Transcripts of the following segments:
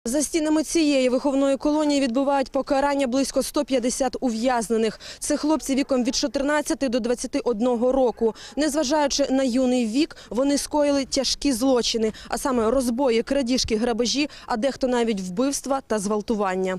За стінами цієї виховної колонії відбувають покарання близько 150 ув'язнених. Це хлопці віком від 14 до 21 року. Незважаючи на юний вік, вони скоїли тяжкі злочини, а саме розбої, крадіжки, грабежі, а дехто навіть вбивства та зґвалтування.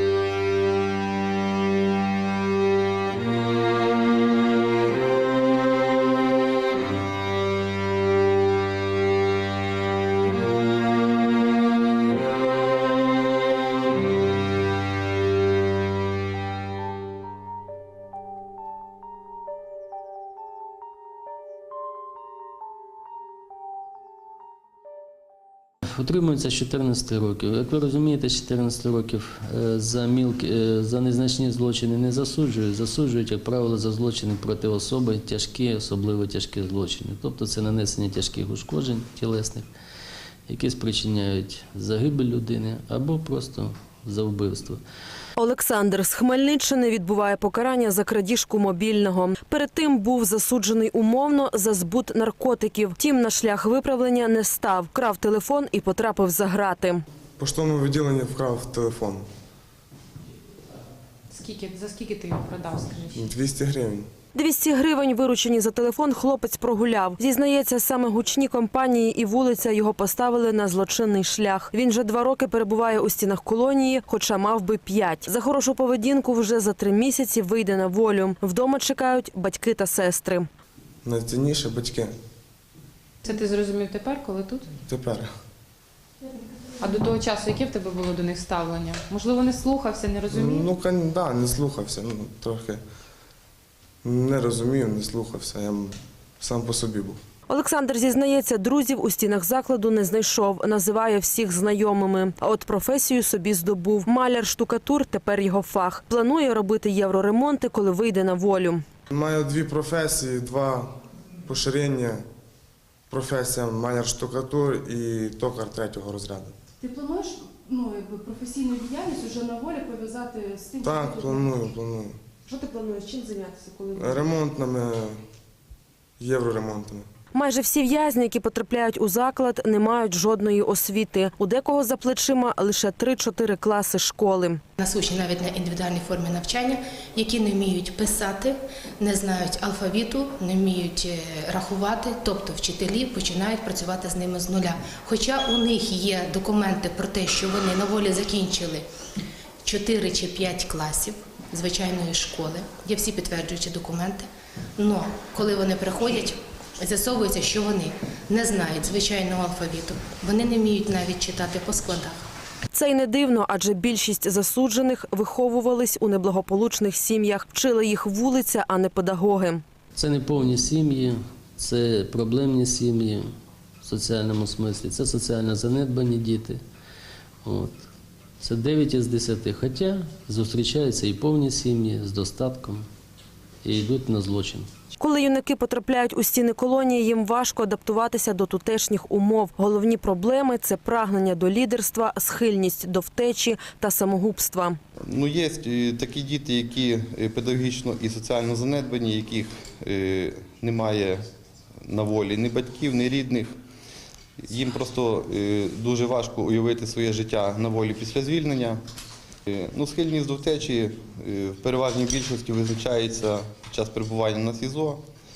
Утримуються з 14 років. Як ви розумієте, з 14 років за незначні злочини не засуджують. Засуджують, як правило, за злочини проти особи, тяжкі, особливо тяжкі злочини. Тобто це нанесення тяжких ушкоджень тілесних, які спричиняють загибель людини або просто за вбивство. Олександр з Хмельниччини відбуває покарання за крадіжку мобільного. Перед тим був засуджений умовно за збут наркотиків. Втім, на шлях виправлення не став. Крав телефон і потрапив за грати. В поштовому відділенні вкрав телефон. За скільки ти його продав, скажіть? 200 гривень. 200 гривень, виручені за телефон, хлопець прогуляв. Зізнається, саме гучні компанії і вулиця його поставили на злочинний шлях. Він вже 2 роки перебуває у стінах колонії, хоча мав би 5. За хорошу поведінку вже за 3 місяці вийде на волю. Вдома чекають батьки та сестри. Найцінніше батьки. Це ти зрозумів тепер, коли тут? Тепер. А до того часу яке в тебе було до них ставлення? Можливо, не слухався, не розумів? Так, не слухався. Трохи не розумів, не слухався. Я сам по собі був. Олександр зізнається, друзів у стінах закладу не знайшов, називає всіх знайомими. А от професію собі здобув. Маляр-штукатур – тепер його фах. Планує робити євроремонти, коли вийде на волю. Маю 2 професії, 2 поширення. Професія маляр-штукатур і токар 3-го розряду. Ти плануєш професійну діяльність вже на волі пов'язати з тим? Так, планую. Що ти плануєш? Чим зайнятися? Ремонтними, євроремонтами. Майже всі в'язні, які потрапляють у заклад, не мають жодної освіти. У декого за плечима лише 3-4 класи школи. Нас учать навіть на індивідуальній формі навчання, які не вміють писати, не знають алфавіту, не вміють рахувати, тобто вчителі починають працювати з ними з нуля. Хоча у них є документи про те, що вони на волі закінчили 4 чи 5 класів звичайної школи, є всі підтверджуючі документи, але коли вони приходять, з'ясовується, що вони не знають звичайного алфавіту, вони не вміють навіть читати по складах. Це й не дивно, адже більшість засуджених виховувались у неблагополучних сім'ях, вчили їх вулиця, а не педагоги. Це не повні сім'ї, це проблемні сім'ї в соціальному смислі, це соціально занедбані діти. Це 9 із 10, хоча зустрічаються і повні сім'ї з достатком і йдуть на злочин. Коли юнаки потрапляють у стіни колонії, їм важко адаптуватися до тутешніх умов. Головні проблеми – це прагнення до лідерства, схильність до втечі та самогубства. Є такі діти, які педагогічно і соціально занедбані, яких немає на волі ні батьків, ні рідних. Їм просто дуже важко уявити своє життя на волі після звільнення. Схильність до втечі в переважній більшості визначається під час перебування на СІЗО.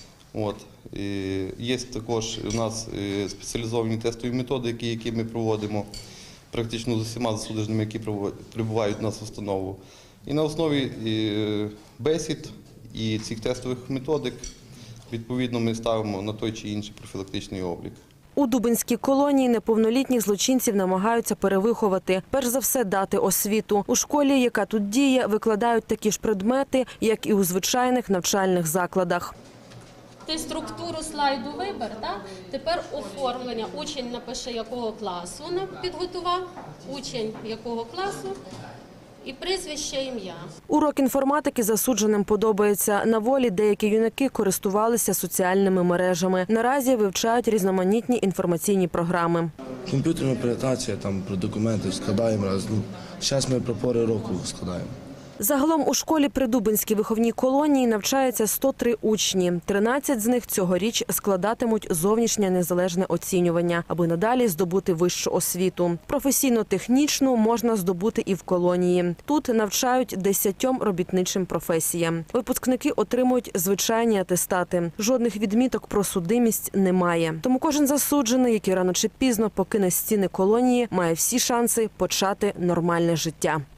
Є також у нас спеціалізовані тестові методики, які ми проводимо практично з усіма засудженими, які прибувають у нас в установу. І на основі бесід і цих тестових методик відповідно ми ставимо на той чи інший профілактичний облік. У Дубинській колонії неповнолітніх злочинців намагаються перевиховати. Перш за все дати освіту. У школі, яка тут діє, викладають такі ж предмети, як і у звичайних навчальних закладах. Ти структуру слайду вибір, так? Тепер оформлення. Учень напише, якого класу підготував, учень якого класу і прізвище, ім'я. Урок інформатики засудженим подобається. На волі деякі юнаки користувалися соціальними мережами. Наразі вивчають різноманітні інформаційні програми. Комп'ютерна презентація, про документи складаємо раз. Зараз ми про пори року складаємо. Загалом у школі при Дубинській виховній колонії навчаються 103 учні. 13 з них цьогоріч складатимуть зовнішнє незалежне оцінювання, аби надалі здобути вищу освіту. Професійно-технічну можна здобути і в колонії. Тут навчають 10 робітничим професіям. Випускники отримують звичайні атестати. Жодних відміток про судимість немає. Тому кожен засуджений, який рано чи пізно покине стіни колонії, має всі шанси почати нормальне життя.